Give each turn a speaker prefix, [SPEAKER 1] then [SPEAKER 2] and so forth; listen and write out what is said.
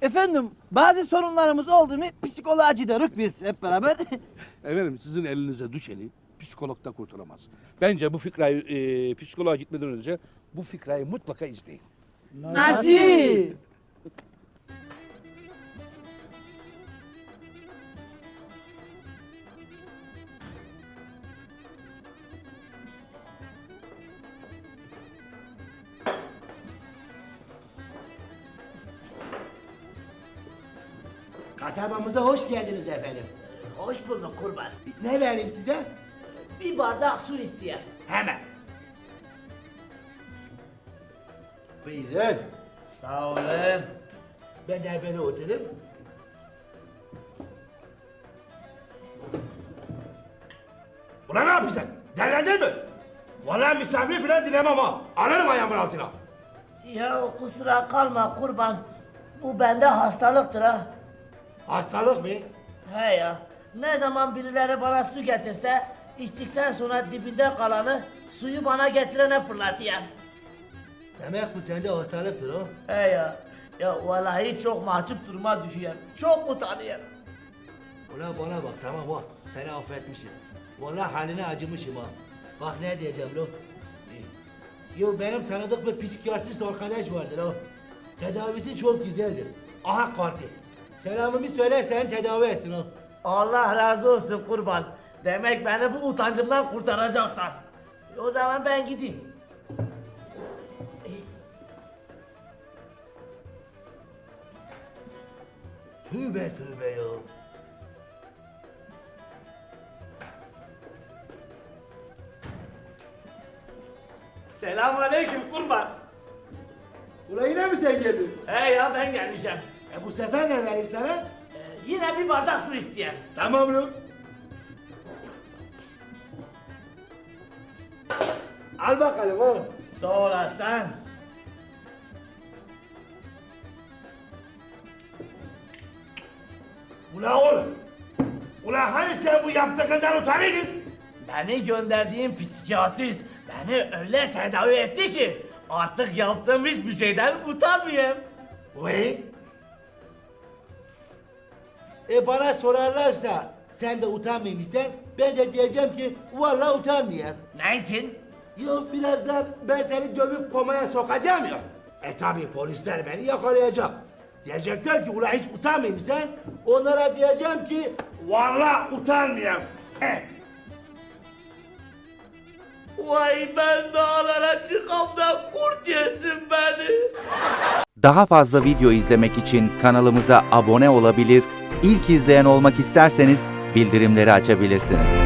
[SPEAKER 1] Efendim bazı sorunlarımız oldu mu psikoloğa gidiyoruz biz hep beraber.
[SPEAKER 2] Efendim sizin elinize düşeni psikolog da kurtaramaz. Bence bu fikrayı psikoloğa gitmeden önce bu fikrayı mutlaka izleyin.
[SPEAKER 1] Nasıl?
[SPEAKER 3] Kasabamıza hoş geldiniz efendim.
[SPEAKER 4] Hoş bulduk kurban.
[SPEAKER 3] Ne vereyim size?
[SPEAKER 4] Bir bardak su isteyen.
[SPEAKER 3] Hemen. Buyurun.
[SPEAKER 4] Sağ olun.
[SPEAKER 3] Ben de böyle oturayım.
[SPEAKER 5] Ulan ne yapıyorsun? Delendin mi? Vallahi misafir falan dilemem ha. Alırım ayağımın altına.
[SPEAKER 4] Ya kusura kalma kurban. Bu bende hastalıktır ha.
[SPEAKER 5] Hastalık mı?
[SPEAKER 4] He ya. Ne zaman birileri bana su getirse içtikten sonra dibinde kalanı suyu bana getirene fırlatıyor.
[SPEAKER 3] Demek bu sende hastalıktır o.
[SPEAKER 4] He ya. Ya vallahi çok mahcup duruma düşüyorum. Çok utanıyorum.
[SPEAKER 3] Ulan bana bak tamam ha. Seni affetmişim. Vallahi haline acımışım ha. Bak ne diyeceğim lo. Yo benim tanıdık bir psikiyatrist arkadaş vardır o. Tedavisi çok güzeldir. Aha kartı. Selamımı söyle sen tedavi etsin o.
[SPEAKER 4] Allah razı olsun kurban. Demek beni bu utancımdan kurtaracaksan. O zaman ben gideyim.
[SPEAKER 3] Tövbe tövbe ya.
[SPEAKER 4] Selamünaleyküm kurban.
[SPEAKER 3] Ulan yine mi sen geldin?
[SPEAKER 4] He ya ben gelmişim.
[SPEAKER 3] Bu sefer ne vereyim sana?
[SPEAKER 4] Yine bir bardak su isteyen.
[SPEAKER 3] Tamam lo. Al bakalım oğlum.
[SPEAKER 4] Sağ olasın.
[SPEAKER 5] Ulan oğlum. Ulan hani sen bu yaptığından utanırdın?
[SPEAKER 4] Beni gönderdiğin psikiyatrist beni öyle tedavi etti ki artık yaptığım hiçbir şeyden utanmıyorum.
[SPEAKER 5] Vay.
[SPEAKER 3] Bana sorarlarsa sen de utanmıyormuşsan ben de diyeceğim ki vallahi utanmıyorum.
[SPEAKER 4] Ne için?
[SPEAKER 3] Yok birazdan ben seni dövüp komaya sokacağım ya.
[SPEAKER 5] Tabi polisler beni yakalayacak.
[SPEAKER 3] Diyecekler ki ulan hiç utanmıyormuşsan onlara diyeceğim ki
[SPEAKER 5] Vallahi utanmıyorum.
[SPEAKER 4] Vay ben dağlara çıkam da kurt yesin beni.
[SPEAKER 6] Daha fazla video izlemek için kanalımıza abone olabilir, ilk izleyen olmak isterseniz bildirimleri açabilirsiniz.